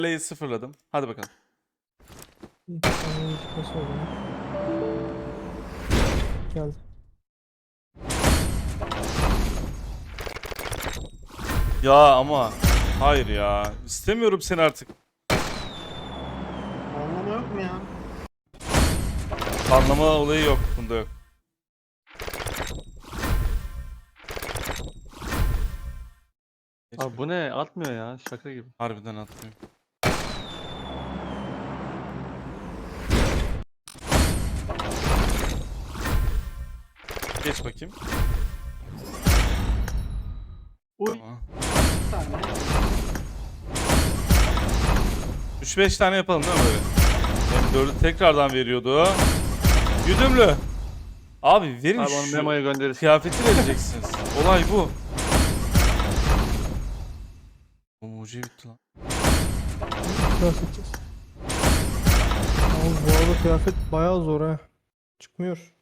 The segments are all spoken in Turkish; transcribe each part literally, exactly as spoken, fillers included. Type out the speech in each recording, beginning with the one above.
Kaleyi sıfırladım. Hadi bakalım. Bir tane gitmesi o zaman. Geldi. Ya ama hayır ya. İstemiyorum seni artık. Anlama yok mu ya? Anlama olayı yok. Bunda yok. Geç Abi bu ne? Atmıyor ya. Şaka gibi. Harbiden atmıyor. Geç bakayım. Uy. Tamam. Bir tane. üç beş tane yapalım değil mi böyle? M dördü tekrardan veriyordu. Güdümlü. Abi verin Abi onu şu memoya gönderirsin. kıyafeti vereceksiniz. Olay bu. Bu mucize bitti lan. Biraz seçeceğiz. Abi bu arada kıyafet bayağı zor ha. Çıkmıyor.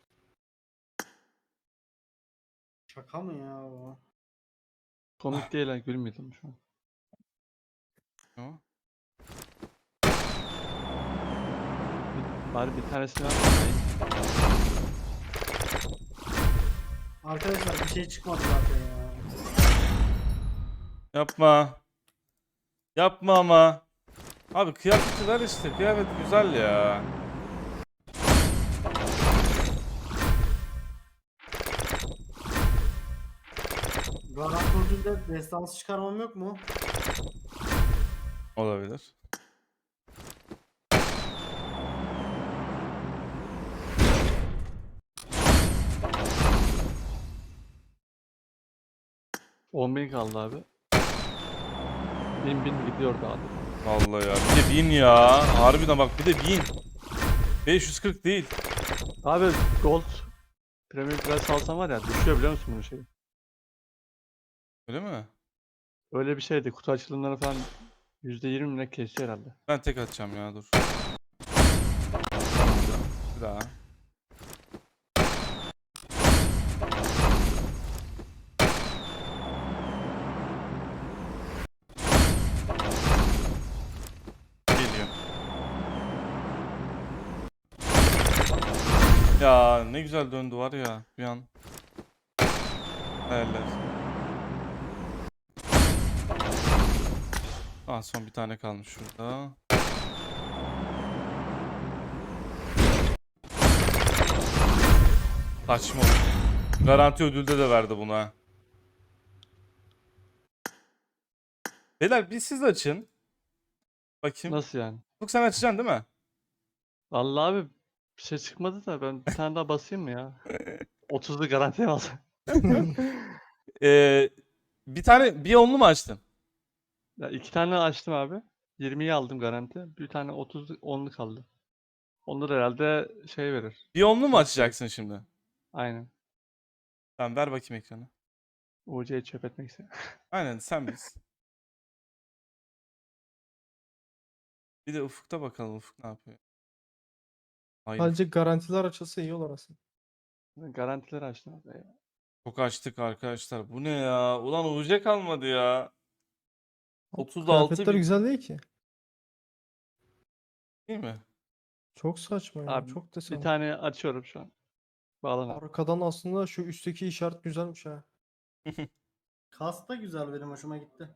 Şaka mı ya bu? Komik değil ha. Gülmedim şu an. Tamam. Bari bir tanesini ver. Arkadaşlar bir şey çıkmadı zaten ya. Yapma. Yapma ama. Abi kıyafeti ver işte. Kıyafet güzel ya. Garantörde destansı çıkarmam yok mu? Olabilir. on bin kaldı abi. Bin bin gidiyordu abi. Vallahi ya. Bir de bin ya. Harbiden bak bir de bin. beş yüz kırk değil. Abi gold premium plus alsam var ya düşüyor biliyor musun bunun şeyi? Öyle mi? Öyle bir şeydi. Kutu açılımları falan yüzde yirmi mi ne kesiyor herhalde. Ben tek atacağım ya dur. Bir daha. Geliyor. Ya ne güzel döndü var ya bir an. Hayaller. Ah son bir tane kalmış şurada. Saçma oldu. Garanti ödülde de verdi buna. Beyler bir siz açın. Bakayım. Nasıl yani? Ufuk sen açacaksın değil mi? Vallahi abi bir şey çıkmadı da ben bir tane daha basayım mı ya? otuzlu garantiye mi alsam? Ee, bir tane bir onlu mu açtın? Ya iki tane açtım abi. yirmiyi aldım garanti. Bir tane otuz onlu kaldı. Onları herhalde şey verir. Bir onlu mu Çok açacaksın şimdi? Aynen. Tamam ver bakayım ekranı. U C'yi çöp etmek istedim. Aynen sen biz. Bir de Ufuk'ta bakalım Ufuk ne yapıyor. Hayır Sadece garantiler açılsa iyi olur aslında. Garantileri açtım abi ya. çok açtık arkadaşlar. Bu ne ya? Ulan U C kalmadı ya. otuz altı Kıyafetler bin güzel değil ki. değil mi? Çok saçma ya. Abi Çok bir desen. tane açıyorum şu an. Bağlan abi. Arkadan aslında şu üstteki işaret güzelmiş ha. Kas da güzel, benim hoşuma gitti.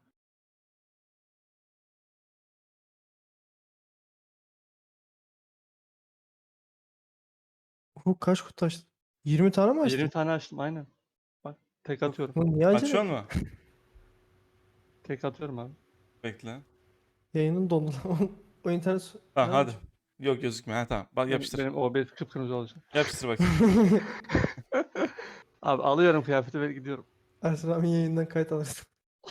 Bu kaç kutu açtın? yirmi tane mi açtın? yirmi tane açtım aynen. Bak tek atıyorum. Lan niye acele Açıyor ettin? mu? Tek atıyorum abi. Bekle. Yayının dondu lan. O internet... Tamam Ha, hadi. Yok gözükmüyor. Ha tamam. Bak Benim, yapıştır. benim O B S kıpkırmızı olacak. Yapıştır bakayım. Abi alıyorum kıyafeti ve gidiyorum. Ersin abi yayından kayıt alırsın.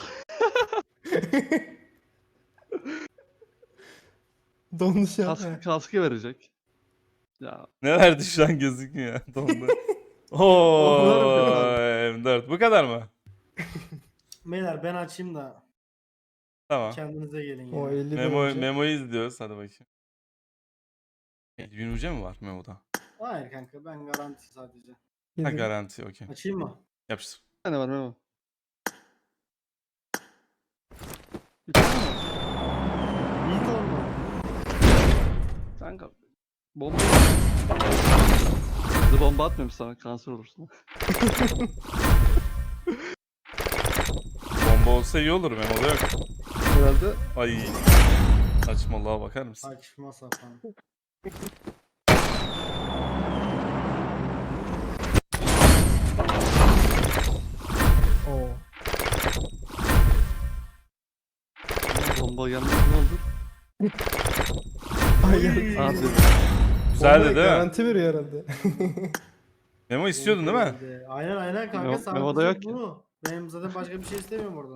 Dondu şu an. Kask, he. kaskı verecek. Ya Ne verdi şu an gözükmüyor. Dondu. O kadar Oo, mı kötü abi? M dört. Bu kadar mı? Beyler ben açayım da Tamam. kendinize gelin O ya. elli bin Memo, önce. Memo'yu izliyoruz. Hadi bakayım. elli bin U C mi var Memo'da? Hayır kanka, ben garanti sadece. Ha yedi bin. garanti okey. Açayım mı? Yapıştır. Bir tane var Memo. Bir tane mi var? İlk Kanka bomba Hızlı bomba atmıyorum sana, kanser olursun. Bomba olsa iyi olur Memo'da yok. Herhalde Ay. Saçmalığa bakar mısın? Saçma sapan. Oo. bomba gelmez ne olur? Ay, ya. Abi Güzeldi Bombaya değil mi? Garanti veriyor herhalde. Memo istiyordun değil mi? Güzeldi. Aynen aynen kanka. Memo- Sadece Memo'da yok ki. bu. Benim zaten başka bir şey istemiyorum oradan.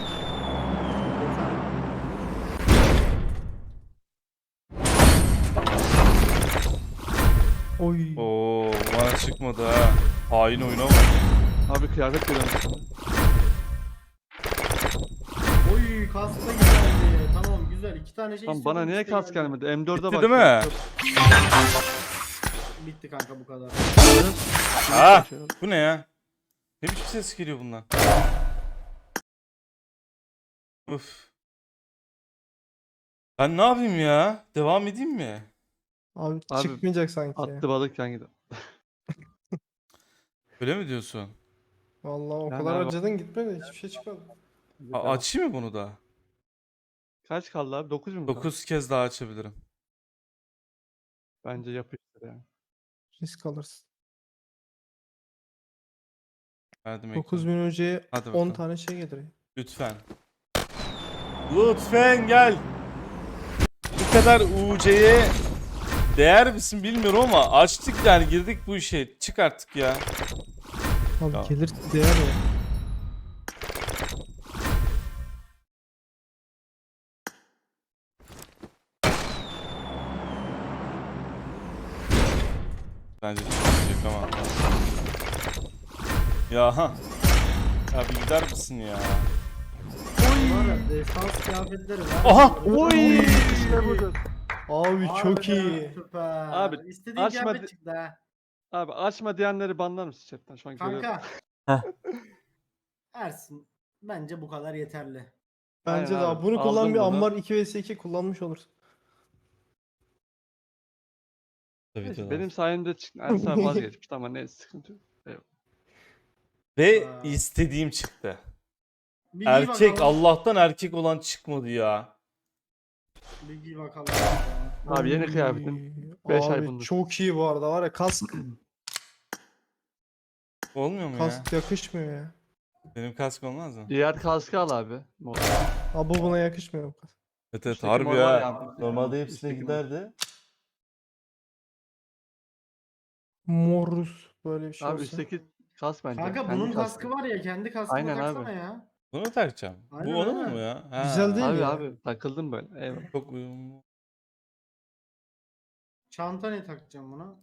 Oy. Oo, bana çıkmadı ha. Hain oyuna bak. abi kıyafet geliyormuş sana. Oy kask da güzeldi. Tamam güzel. İki tane şey Lan istiyordum, bana niye ikisi de kas geldi. gelmedi? M dörde Bitti bak. değil mi? Bitti kanka bu kadar. Ha, bu ne ya? Ne biçim ses geliyor bundan? Uf. Ben ne yapayım ya? Devam edeyim mi? Abi, Abi, çıkmayacak sanki. Attı balık yan gidiyor. Öyle mi diyorsun? Vallahi o Yani kadar abi- acıdın gitmedi. Hiçbir şey çıkmadı. A- açayım mı bunu da? Kaç kaldı abi? dokuz mu kaldı? dokuz kez daha açabilirim. Bence yapıştır yani. Risk alırsın. Verdim dokuz ekranı. bin önceye Hadi on bakalım. tane şey gelir. Lütfen. Lütfen gel. Bu kadar U C'ye değer misin bilmiyorum ama açtık yani girdik bu işe. Çık artık ya. Abi Ya. gelir değer ya. Bence çıkmayacak ama. Ya ha. Ya bir gider misin ya? Var ya defans kıyafetleri var. Aha! Oy! İşte budur. Abi çok Harbiden iyi. Süper. Abi, İstediğin açma kıyafet di- çıktı ha. Abi açma diyenleri banlar mısın chatten? Şu an görüyorum. Kanka. Heh. Ersin. Bence bu kadar yeterli. Bence de Aynen abi. abi. Bunu kullan Aldım bir bunu. Ammar iki vs iki kullanmış olursun. Tabii Neyse, ki benim sayemde çıktı. Ersin abi vazgeçmişti ama ne sıkıntı yok. Ve Aa. istediğim çıktı. Bir giy Erkek bakalım. Allah'tan erkek olan çıkmadı ya. Bir giy bakalım. Abi yeni Oy. kıyafetim. Beş ay Abi bundur. çok iyi bu arada var ya kask Olmuyor mu ya? kask yakışmıyor ya. Benim kask olmaz mı? Diğer kaskı al abi. Mor. Abi bu buna yakışmıyor bu kask. Evet evet Üstteki harbi mor ya. var ya. Normalde hepsine Üstteki mor. giderdi. Morus böyle bir şey Abi olsa. üstteki kask bence. Kanka Kendi bunun kaskı. kaskı var ya kendi kaskını Aynen taksana abi. ya. Bunu mu takacağım? Aynen, Bu onun aynen. mu ya? Ha. Güzel değil Abi ya. abi takıldım böyle. Eyvallah. Çok uyumlu. Çanta ne takacağım buna?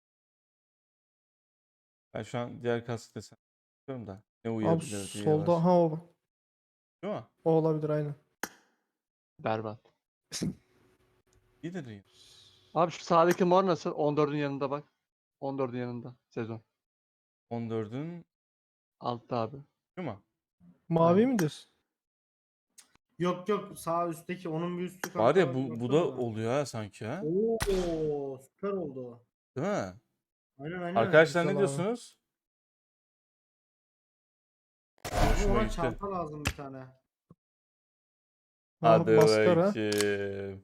Ben şu an diğer kask desem. Bilmiyorum da. Ne Abi uyuyabilir diye solda var. ha o. bak. Değil mi? O olabilir aynen. Berbat. İyidir iyi. Abi şu sağdaki mor nasıl? on dördün yanında bak. on dördün yanında sezon. on dördün Altta abi. değil mi? Mavi Aynen. mi diyorsun? Yok yok sağ üstteki onun bir üstü kanka. Var ya bak, bu, bu baksana da ona. oluyor ha sanki ha. Oo süper oldu. Değil mi? Aynen aynen. Arkadaşlar ne güzel abi. diyorsunuz? Ama Hoşuma ona gitti. çanta lazım bir tane. Ha, Hadi maskara. bakayım.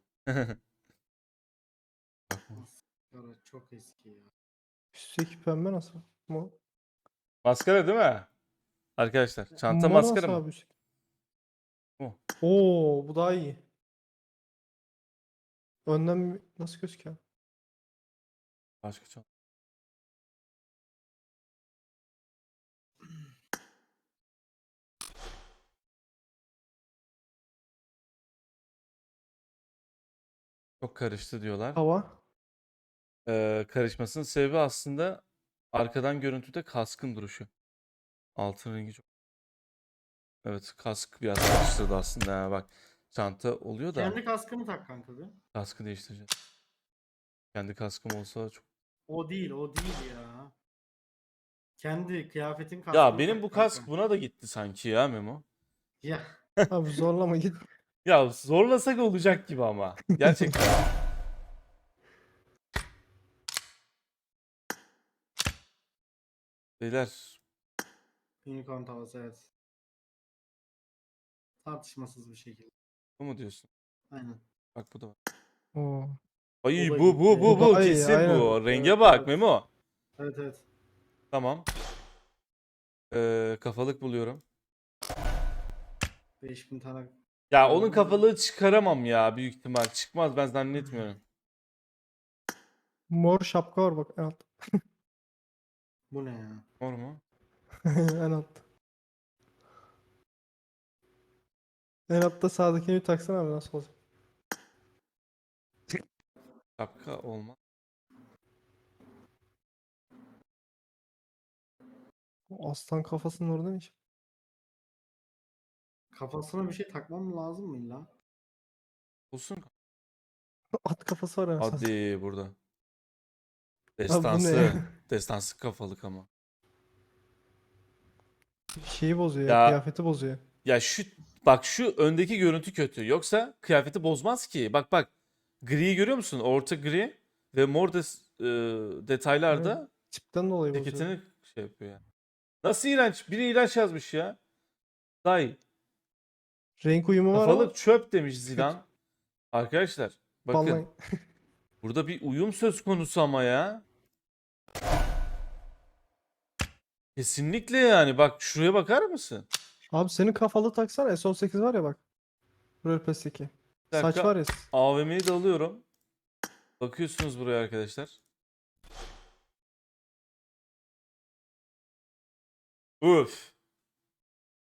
Maskara çok eski ya. Üstteki pembe nasıl? Mor. Maskara değil mi? Arkadaşlar çanta Mor maskara nasıl mı? abi üstteki? Bu. Oo bu daha iyi. Önden bir- nasıl gözüküyor? Başka çanta. Çok karıştı diyorlar. Hava. Ee, karışmasının sebebi aslında arkadan görüntüde kaskın duruşu. Altın rengi çok. Evet kask biraz karıştırdı aslında. Ha, bak çanta oluyor da Kendi kaskını tak kanka bir. kaskı değiştireceğiz. Kendi kaskım olsa çok. O değil o değil ya. Kendi kıyafetin kaskını Ya benim tak bu kanka. kask buna da gitti sanki ya Memo. Ya Abi zorlama git. Ya zorlasak olacak gibi ama. Gerçekten. Beyler Unicorn tavası evet. Tartışmasız bir şekilde. bu mu diyorsun? Aynen. Bak bu da var. Oo. Ay O da bu bu gitti. bu Bu bu daha iyi, kesin aynen. bu. Renge Evet, bak evet. Memo. Evet evet. Tamam. Ee, kafalık buluyorum. beş bin tane. Ya Hmm. onun kafalığı çıkaramam ya büyük ihtimal. Çıkmaz ben zannetmiyorum. Mor şapka var bak en altta. Bu ne ya? Var mu? En altta. En altta sağdakini bir taksana abi nasıl olacak? Şapka olmaz. O aslan kafasının orada ne iş? Kafasına bir şey takmam lazım mı illa? Bulsun. At kafası var anasını. Hadi burada. Abi bu ne Destansı. ya? Destansı kafalık ama. Şeyi bozuyor ya, Ya- kıyafeti bozuyor. Ya şu bak şu öndeki görüntü kötü. Yoksa kıyafeti bozmaz ki. Bak bak. Griyi görüyor musun? Orta gri ve mor des, e, detaylarda Tipten dolayı bozuyor. ceketini şey yapıyor yani. Nasıl iğrenç? Biri iğrenç yazmış ya. Day. Renk uyumu var ama Kafalık çöp demiş Zidane. Arkadaşlar bakın vallahi. burada bir uyum söz konusu ama ya. Kesinlikle yani. Bak şuraya bakar mısın? Abi senin kafalı taksana S on sekiz var ya bak. Rölpes'teki. Bir Saç dakika. var ya. A V M'yi de alıyorum. Bakıyorsunuz buraya arkadaşlar. Üf.